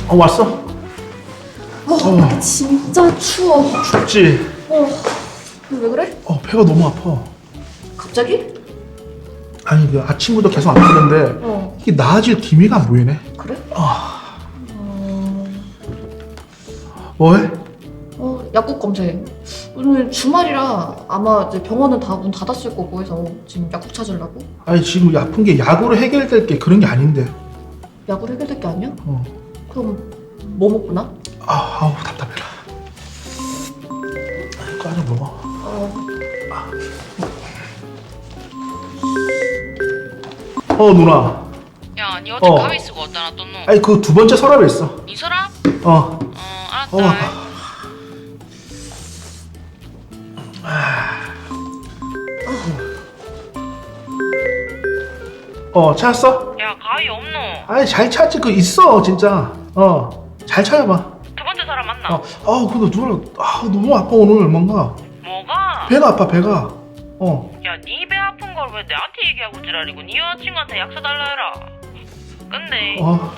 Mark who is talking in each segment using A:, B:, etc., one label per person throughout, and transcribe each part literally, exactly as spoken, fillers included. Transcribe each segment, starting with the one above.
A: 어 왔어?
B: 어,
A: 어.
B: 진짜 추워.
A: 춥지?
B: 어, 왜 그래?
A: 어 배가 너무 아파.
B: 갑자기?
A: 아니 그 아침부터 계속 아프는데
B: 어,
A: 이게 나아질 기미가 안 보이네.
B: 그래?
A: 아
B: 어,
A: 뭐해?
B: 어, 약국 검색. 오늘 주말이라 아마 이제 병원은 다 문 닫았을 거고 해서 지금 약국 찾으려고.
A: 아니 지금 아픈 게 약으로 해결될 게 그런 게 아닌데.
B: 약으로 해결될 게 아니야?
A: 어.
B: 그럼 뭐 먹구나?
A: 아 아우 답답해라. 까져 먹어.
B: 어,
A: 어 누나.
C: 야, 니 어제
A: 어.
C: 가위 쓰고 어디다 놨던 놈?
A: 아니 그 두 번째 서랍에 있어.
C: 니 서랍?
A: 어.
C: 어, 알았다.
A: 어 아파. 어 찾았어?
C: 야, 가위 없노?
A: 아니 잘 찾지 그 있어 진짜. 어 잘 찾아봐.
C: 두 번째 사람 맞나?
A: 어, 아 근데 누나 아 너무 아파 오늘 뭔가
C: 뭐가?
A: 배가 아파 배가. 어.
C: 야, 니 배 아픈 걸 왜 나한테 얘기하고 지랄이고 니 여자친구한테 약 사달라 해라. 근데
A: 어.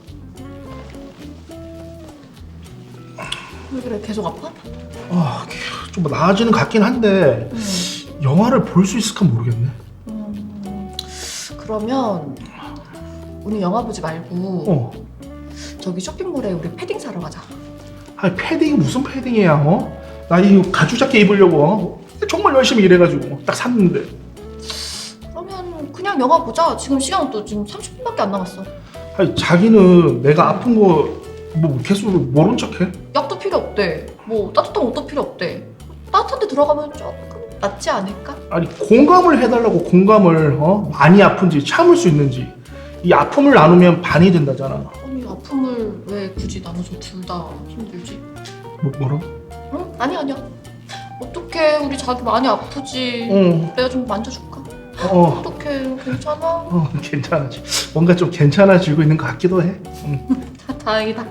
B: 왜 그래? 계속 아파?
A: 아, 좀 나아지는 것 같긴 한데
B: 음,
A: 영화를 볼 수 있을까 모르겠네.
B: 음, 그러면 우리 영화 보지 말고
A: 어.
B: 저기 쇼핑몰에 우리 패딩 사러 가자.
A: 아니 패딩이 무슨 패딩이야? 어? 나 이거 가죽 자켓 입으려고 어? 정말 열심히 일해가지고 딱 샀는데.
B: 그러면 그냥 영화 보자. 지금 시간은 또 지금 삼십 분밖에 안 남았어.
A: 아니 자기는 내가 아픈 거 뭐 계속 모른 척해?
B: 약도 필요 없대. 뭐 따뜻한 옷도 필요 없대. 따뜻한 데 들어가면 조금 낫지 않을까?
A: 아니 공감을 해달라고 공감을 어? 많이 아픈지 참을 수 있는지 이 아픔을 나누면 반이 된다잖아.
B: 아니 아픔을 왜 굳이 나눠서 둘 다 힘들지?
A: 뭐 뭐라고?
B: 응? 아니 아니야. 어떡해 우리 자기 많이 아프지.
A: 어.
B: 내가 좀 만져줄까?
A: 어.
B: 어떡해 괜찮아?
A: 어 괜찮아지. 뭔가 좀 괜찮아지고 있는 것 같기도 해. 응.
B: 다, 다행이다.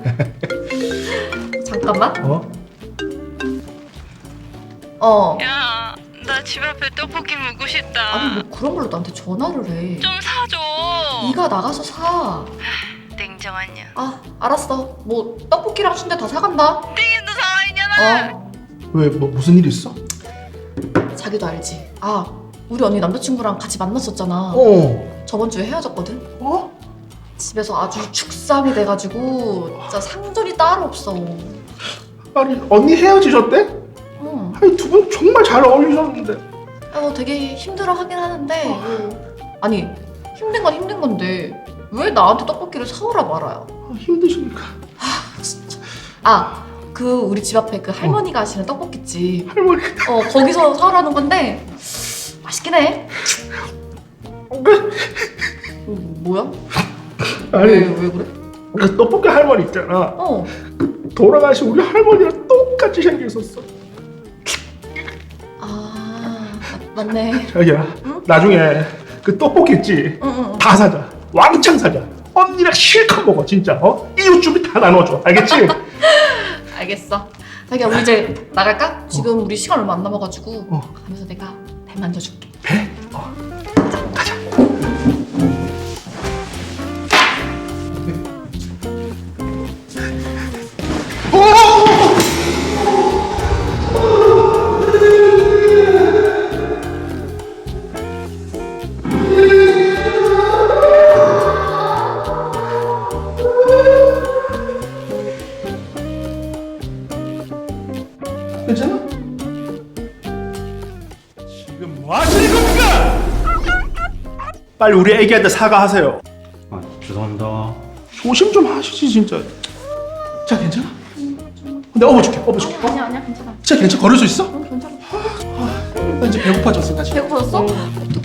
B: 잠깐만.
A: 어?
B: 어.
C: 야, 나 집 앞에 떡볶이 먹고 싶다.
B: 아니 뭐 그런 걸로 나한테 전화를 해.
C: 좀 사줘.
B: 네가 나가서 사.
C: 냉정하냐?
B: 아 알았어. 뭐 떡볶이랑 순대 다 사간다.
C: 땡이도 살아있냐나?
B: 어.
A: 왜 뭐 무슨 일 있어?
B: 자기도 알지. 아 우리 언니 남자친구랑 같이 만났었잖아.
A: 어.
B: 저번 주에 헤어졌거든.
A: 어?
B: 집에서 아주 축삼이 돼가지고 진짜 상전이 따로 없어.
A: 아니 언니 헤어지셨대?
B: 응.
A: 아니 두 분 정말 잘 어울리셨는데.
B: 어, 되게 힘들어하긴 하는데 뭐, 아니 힘든 건 힘든 건데 왜 나한테 떡볶이를 사오라 말아요?
A: 아, 힘드시니까.
B: 진짜. 아 그 우리 집 앞에 그 할머니가 하시는 떡볶이집.
A: 할머니.
B: 어 거기서 사오라는 건데 맛있긴 해. 어, 뭐야?
A: 아니
B: 왜, 왜 그래?
A: 그 떡볶이 할머니 있잖아.
B: 어.
A: 돌아가신 우리 할머니랑 똑같이 생겼었어.
B: 아 맞, 맞네.
A: 자기야
B: 응?
A: 나중에 그 떡볶이 있지?
B: 응응.
A: 다 사자. 왕창 사자. 언니랑 실컷 먹어 진짜. 어? 이웃 주민 다 나눠줘. 알겠지?
B: 알겠어. 자기야 우리 이제 나갈까? 지금 우리 시간 얼마 안 남아가지고
A: 어.
B: 가면서 내가 배 만져줄게.
A: 배? 어. 가자. 괜찮아? 지금 뭐 하시는 겁니까? 빨리 우리 애기한테 사과하세요.
D: 아, 죄송합니다.
A: 조심 좀 하시지 진짜. 자 괜찮아? 내가 업어줄게 업어줄게.
B: 아니야 아니야 아니야 괜찮아.
A: 진짜 괜찮아? 걸을 수 있어?
B: 응 괜찮아.
A: 나 이제 배고파졌어 나 지금.
B: 배고파졌어? 어떡해.